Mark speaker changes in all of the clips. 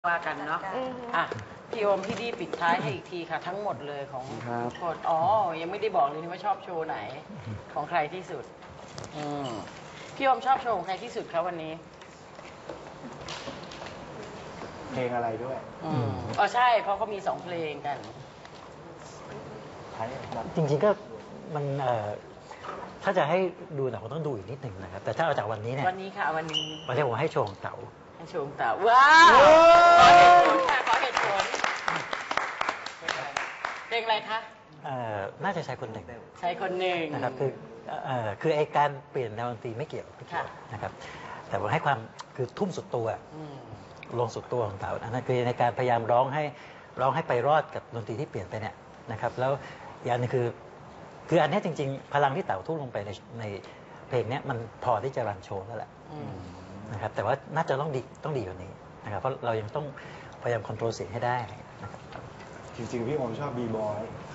Speaker 1: ว่ากันเนาะอ่ะพี่โอมพี่ดีปิดท้ายให้อีกทีค่ะทั้งหมดเลยของทุกคนอ๋อยังไม่ได้บอกเลยว่าชอบโชว์ไหนของใครที่สุดพี่โอมชอบโชว์ของใครที่สุดครับวันนี้
Speaker 2: เพลงอะไรด้วย
Speaker 1: อ๋อใช่เพราะเขามี2เพลงกัน
Speaker 3: จริงๆก็มันถ้าจะให้ดูหนังต้องดูอีกนิดหนึ่งนะครับแต่ถ้าเอาจากวันนี้เนี่ย
Speaker 1: วันนี้ค่ะวันนี้
Speaker 3: ผมให้โชว์ของเต๋า
Speaker 1: ให้โชว์ของเต๋าว้าวขอเหตุผลค่ะขอเหตุผลเพลงอะไรคะ
Speaker 3: น่าจะใช้คนหนึ่ง
Speaker 1: ใช้คนหนึ่ง
Speaker 3: นะครับคือไอการเปลี่ยนแนวดนตรีไม่เกี่ยวนะครับแต่ผมให้ความคือทุ่มสุดตัวลงสุดตัวของเต๋านั่นคือในการพยายามร้องให้ไปรอดกับดนตรีที่เปลี่ยนไปเนี่ยนะครับแล้วอย่างนึงคืออันนี้จริงๆพลังที่เต๋าทุ่มลงไปในเพลงนี้มันพอที่จะรันโชว์แล้วแหละนะครับแต่ว่าน่าจะต้องดีกว่านี้นะครับเพราะเรายังต้องพยายามคอนโทรลเสียงให้ได้นะครับ
Speaker 2: จริงๆพี่ผมชอบบีบอย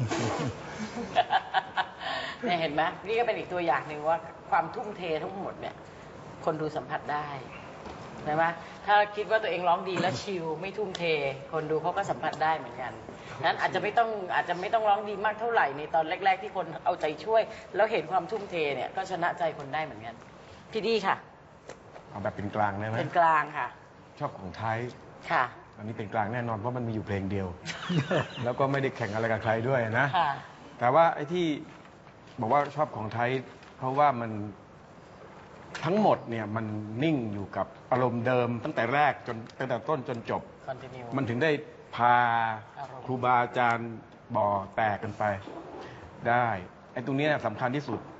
Speaker 1: เนี่ยเห็นไหมนี่ก็เป็นอีกตัวอย่างหนึ่งว่าความทุ่มเททั้งหมดเนี่ยคนดูสัมผัสได้ใช่ไหมถ้าคิดว่าตัวเองร้องดีแล้วชิลไม่ทุ่มเทคนดูเขาก็สัมผัสได้เหมือนกันนั้นอาจจะไม่ต้องร้องดีมากเท่าไหร่ในตอนแรกๆที่คนเอาใจช่วยแล้วเห็นความทุ่มเทเนี่ยก็ชนะใจคนได้เหมือนกันพี่ดีค่ะ
Speaker 2: เอาแบบเป็นกลางได้ไหม
Speaker 1: เป็นกลางค่ะ
Speaker 2: ชอบของไทย
Speaker 1: ค่ะ
Speaker 2: อันนี้เป็นกลางแน่นอนเพราะมันมีอยู่เพลงเดียว แล้วก็ไม่ได้แข่งอะไรกับใครด้วยนะแต่ว่าไอ้ที่บอกว่าชอบของไทยเพราะว่ามันทั้งหมดเนี่ยมันนิ่งอยู่กับอารมณ์เดิมตั้งแต่แรกตั้งแต่ต้นจนจบมันถึงได้พาครูบาอาจารย์บ่อแตกกันไปได้ไอ้ตรงนี้สำคัญที่สุด